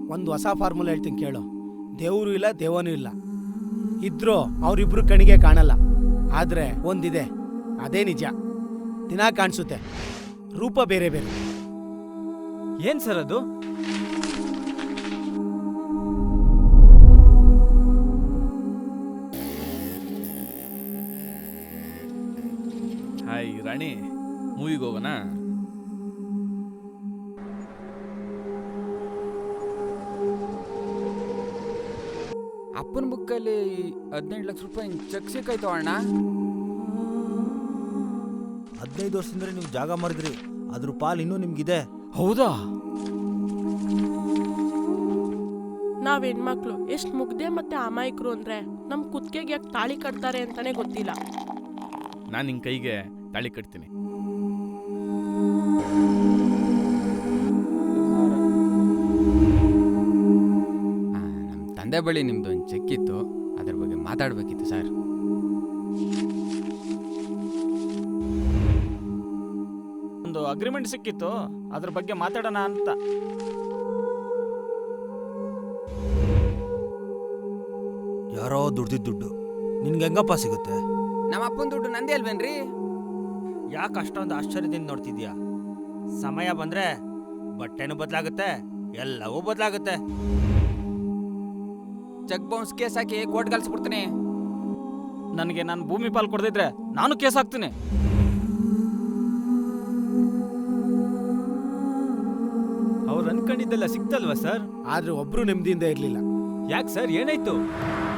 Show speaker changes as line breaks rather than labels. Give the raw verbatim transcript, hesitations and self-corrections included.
ಒಂದು ಹೊಸ ಫಾರ್ಮುಲಾ ಹೇಳ್ತೀನಿ ಕೇಳು. ದೇವರು ಇಲ್ಲ, ದೇವನೂ ಇಲ್ಲ. ಇದ್ರೂ ಅವರಿಬ್ರು ಕಣಿಗೆ ಕಾಣಲ್ಲ. ಆದ್ರೆ ಒಂದಿದೆ, ಅದೇ ನಿಜ. ದಿನ ಕಾಣಿಸುತ್ತೆ, ರೂಪ ಬೇರೆ ಬೇರೆ.
ಏನ್ ಸರ್ ಅದು?
ಹಾಯ್ ರಾಣಿ, ಮೂವಿಗೆ ಹೋಗೋಣ?
ಅಪ್ಪನ ಬುಕ್ಕಲ್ಲಿ ಹದಿನೆಂಟು ಲಕ್ಷ ರೂಪಾಯಿ ಚೆಕ್ ಸಿಕ್ಕಾಯ್ತು ಅಣ್ಣ.
ಹದಿನೈದು ವರ್ಷದಿಂದ ನೀವು ಜಾಗ ಮರಿದ್ರಿ, ಅದ್ರ ಪಾಲ್ ಇನ್ನೂ ನಿಮ್ಗಿದೆ.
ಹೌದಾ?
ನಾವ್ ಹೆಣ್ಮಕ್ಳು ಎಷ್ಟು ಮುಗ್ದೆ ಮತ್ತೆ ಅಮಾಯಕರು ಅಂದ್ರೆ ನಮ್ ಕುತ್ತಿಗೆಗೆ ಯಾಕೆ ತಾಳಿ ಕಟ್ತಾರೆ ಅಂತಾನೆ ಗೊತ್ತಿಲ್ಲ.
ನಾನು ನಿನ್ನ ಕೈಗೆ ತಾಳಿ ಕಟ್ತೀನಿ.
ನಮ್ಮ ತಂದೆ ಬಳಿ ನಿಮ್ದು ಒಂದು ಚೆಕ್ ಇತ್ತು, ಅದ್ರ ಬಗ್ಗೆ ಮಾತಾಡ್ಬೇಕಿತ್ತು ಸರ್.
ಒಂದು ಅಗ್ರಿಮೆಂಟ್ ಸಿಕ್ಕಿತ್ತು, ಅದ್ರ ಬಗ್ಗೆ ಮಾತಾಡೋಣ ಅಂತ.
ಯಾರೋ ದುಡ್ದಿದ್ದ ದುಡ್ಡು ನಿನ್ಗೆ ಹೆಂಗಪ್ಪ ಸಿಗುತ್ತೆ?
ನಮ್ಮ ಅಪ್ಪನ ದುಡ್ಡು ನಂದೇ ಅಲ್ವೇನ್ರಿ?
ಯಾಕೆ ಅಷ್ಟೊಂದು ಆಶ್ಚರ್ಯದಿಂದ ನೋಡ್ತಿದ್ಯಾ? ಸಮಯ ಬಂದ್ರೆ ಬಟ್ಟೆನೂ ಬದಲಾಗುತ್ತೆ, ಎಲ್ಲವೂ ಬದಲಾಗುತ್ತೆ.
ಚೆಕ್ ಬೌನ್ಸ್ ಕೇಸ್ ಹಾಕಿ ಕೋರ್ಟ್ ಕಳ್ಸ್ಬಿಡ್ತೀನಿ.
ನನಗೆ ನಾನು ಭೂಮಿ ಪಾಲ್ ಕೊಡ್ದಿದ್ರೆ ನಾನು ಕೇಸ್ ಹಾಕ್ತೀನಿ.
ಅವ್ರು ಅನ್ಕೊಂಡಿದ್ದೆಲ್ಲ ಸಿಕ್ತಲ್ವಾ ಸರ್?
ಆದ್ರೆ ಒಬ್ರು ನೆಮ್ಮದಿಯಿಂದ ಇರ್ಲಿಲ್ಲ.
ಯಾಕೆ ಸರ್, ಏನಾಯ್ತು?